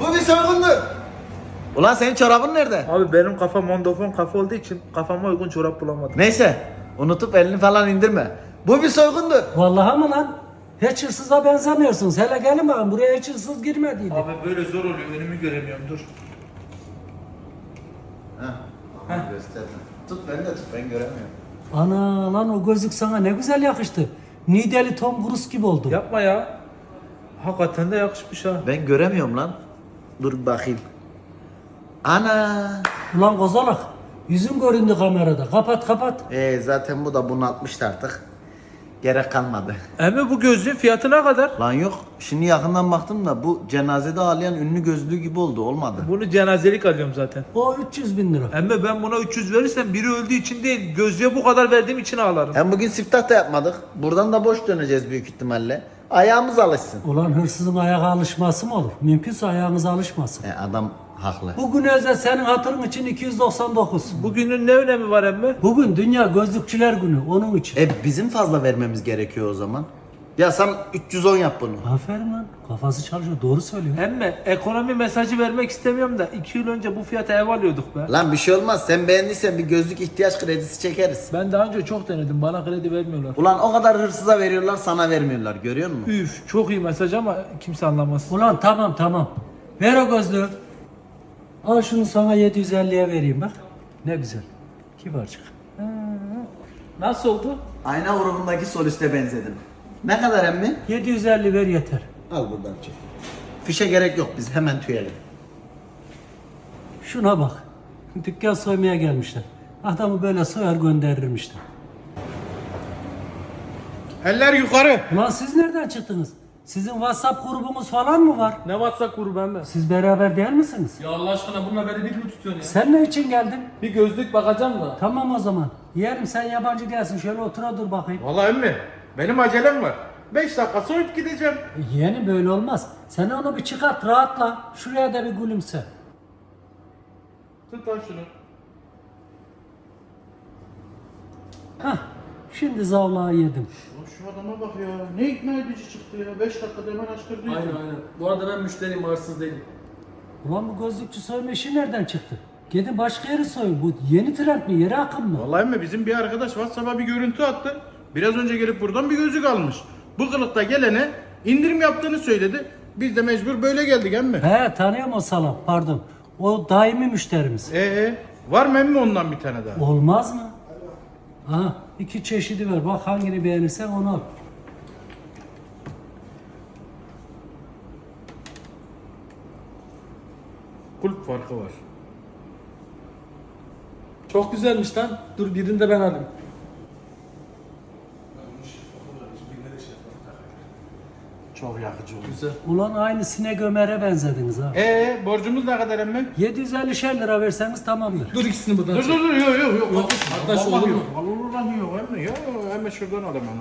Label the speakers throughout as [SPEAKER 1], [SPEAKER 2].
[SPEAKER 1] Bu bir soygundur. Ulan senin çorabın nerede?
[SPEAKER 2] Abi benim kafa mondofon kafa olduğu için kafama uygun çorap bulamadım.
[SPEAKER 1] Neyse, unutup elini falan indirme. Bu bir soygundur.
[SPEAKER 3] Vallahi mı lan? Hiç hırsıza benzemiyorsunuz. Hele gelin bakın buraya hiç hırsız girmediydi.
[SPEAKER 2] Abi böyle zor oluyor önümü göremiyorum dur.
[SPEAKER 1] Heh. Gösterdim. Tut ben de tut, ben göremiyorum.
[SPEAKER 3] Ana lan o gözlük sana ne güzel yakıştı. Nideli Tom Cruise gibi oldu.
[SPEAKER 2] Yapma ya. Hakikaten de yakışmış ha.
[SPEAKER 1] Ben göremiyorum lan. Dur bakayım. Ana.
[SPEAKER 3] Ulan kozalak. Yüzün göründü kamerada. Kapat kapat.
[SPEAKER 1] Zaten bu da bunaltmıştı artık. Gerek kalmadı.
[SPEAKER 2] Emmi bu gözlüğün fiyatı ne kadar?
[SPEAKER 1] Lan yok. Şimdi yakından baktım da bu cenazede ağlayan ünlü gözlüğü gibi oldu. Olmadı.
[SPEAKER 2] Bunu cenazelik alıyorum zaten.
[SPEAKER 3] O 300 bin lira.
[SPEAKER 2] Emmi ben buna 300 verirsem biri öldüğü için değil, gözlüğe bu kadar verdiğim için ağlarım.
[SPEAKER 1] Hem bugün siftah da yapmadık. Buradan da boş döneceğiz büyük ihtimalle. Ayağımız alışsın.
[SPEAKER 3] Ulan hırsızın ayağa alışması mı olur? Mümkünse ayağınıza alışmasın.
[SPEAKER 1] Adam haklı.
[SPEAKER 3] Bugün özel senin hatırın için 299.
[SPEAKER 2] Bugünün ne önemi var emmi?
[SPEAKER 3] Bugün Dünya Gözlükçüler Günü onun için.
[SPEAKER 1] Bizim fazla vermemiz gerekiyor o zaman. Ya sen 310 yap bunu.
[SPEAKER 3] Aferin lan. Kafası çalışıyor. Doğru söylüyor.
[SPEAKER 2] Emmi ekonomi mesajı vermek istemiyorum da 2 yıl önce bu fiyata ev alıyorduk be.
[SPEAKER 1] Lan bir şey olmaz. Sen beğendiysen bir gözlük ihtiyaç kredisi çekeriz.
[SPEAKER 2] Ben daha önce çok denedim, bana kredi vermiyorlar.
[SPEAKER 1] Ulan o kadar hırsıza veriyorlar, sana vermiyorlar. Görüyor musun?
[SPEAKER 2] Üf, çok iyi mesaj ama kimse anlamaz.
[SPEAKER 3] Ulan tamam. Ver o gözlüğü. Al şunu sana 750'ye vereyim bak. Ne güzel. Kibarcık.
[SPEAKER 2] Nasıl oldu?
[SPEAKER 1] Ayna grubundaki soliste benzedim. Ne kadar emmi?
[SPEAKER 3] 750 ver yeter.
[SPEAKER 1] Al buradan çek. Fişe gerek yok, biz hemen tüyelim.
[SPEAKER 3] Şuna bak. Dükkan soymaya gelmişler. Adamı böyle soyar gönderirmişler.
[SPEAKER 2] Eller yukarı.
[SPEAKER 3] Ulan siz nereden çıktınız? Sizin WhatsApp grubunuz falan mı var?
[SPEAKER 2] Ne WhatsApp grubu emmi?
[SPEAKER 3] Siz beraber değil misiniz?
[SPEAKER 2] Ya Allah aşkına bununla beni bir mi tutuyorsun ya?
[SPEAKER 3] Sen ne için geldin?
[SPEAKER 2] Bir gözlük bakacağım da.
[SPEAKER 3] Tamam o zaman. Yeğenim sen yabancı değilsin. Şöyle otura dur bakayım.
[SPEAKER 4] Vallahi emmi benim acelem var. 5 dakika soyup gideceğim.
[SPEAKER 3] Yeğenim böyle olmaz. Sen onu bir çıkart rahatla. Şuraya da bir gülümse.
[SPEAKER 4] Tut lan şunu.
[SPEAKER 3] Hah. Şimdi zavlağı yedim.
[SPEAKER 4] Şu adama bak ya. Ne ikna edici çıktı ya. 5 dakikada hemen açtırdı.
[SPEAKER 5] Aynen. Bu arada ben müşteriyim, hırsız değilim.
[SPEAKER 3] Ulan bu gözlükçü soyma işi nereden çıktı? Gidin başka yeri soyun. Bu yeni trend mi? Yeri akım mı?
[SPEAKER 4] Vallahi emmi bizim bir arkadaş WhatsApp'a bir görüntü attı. Biraz önce gelip buradan bir gözlük almış. Bu kılıkta gelene indirim yaptığını söyledi. Biz de mecbur böyle geldik emmi.
[SPEAKER 3] He tanıyorum o salam. Pardon. O daimi müşterimiz.
[SPEAKER 4] Var mı emmi ondan bir tane daha?
[SPEAKER 3] Olmaz mı? Aha 2 çeşidi var. Bak hangini beğenirsen onu al.
[SPEAKER 4] Kulp farkı var.
[SPEAKER 5] Çok güzelmiş lan. Dur birini de ben alayım.
[SPEAKER 4] Çok yakıcı oldu.
[SPEAKER 5] Güzel.
[SPEAKER 3] Ulan aynı Sinek Ömer'e benzediniz ha.
[SPEAKER 4] Borcumuz ne kadar emmi?
[SPEAKER 3] 750 lira verseniz tamamdır.
[SPEAKER 5] Dur ikisini buradan
[SPEAKER 4] Dur
[SPEAKER 5] çek.
[SPEAKER 4] yok.
[SPEAKER 5] Arkadaş olur mu?
[SPEAKER 4] Vallahi yok emmi. Yok emmi şuradan alayım onu.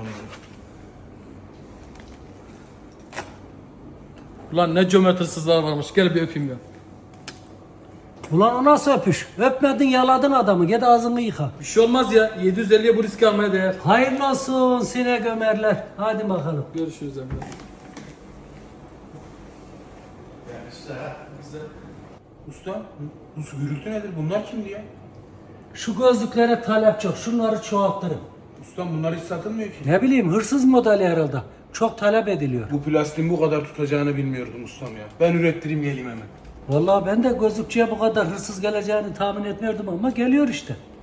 [SPEAKER 5] Ulan ne cömert hırsızlar varmış. Gel bir öpeyim ya.
[SPEAKER 3] Ulan o nasıl öpüş? Öpmedin yaladın adamı. Git ağzını yıka.
[SPEAKER 5] Bir şey olmaz ya. 750'ye bu riski almaya değer.
[SPEAKER 3] Hayırlı olsun Sinek Ömer'ler. Hadi bakalım.
[SPEAKER 5] Görüşürüz Emre.
[SPEAKER 4] Usta, bu gürültü nedir? Bunlar kimdi ya?
[SPEAKER 3] Şu gözlüklere talep çok. Şunları çoğaltırın.
[SPEAKER 4] Ustam bunlar hiç satılmıyor ki.
[SPEAKER 3] Ne bileyim hırsız modeli herhalde. Çok talep ediliyor.
[SPEAKER 4] Bu plastiğin bu kadar tutacağını bilmiyordum ustam ya. Ben ürettireyim geleyim hemen.
[SPEAKER 3] Vallahi ben de gözlükçüye bu kadar hırsız geleceğini tahmin etmiyordum ama geliyor işte.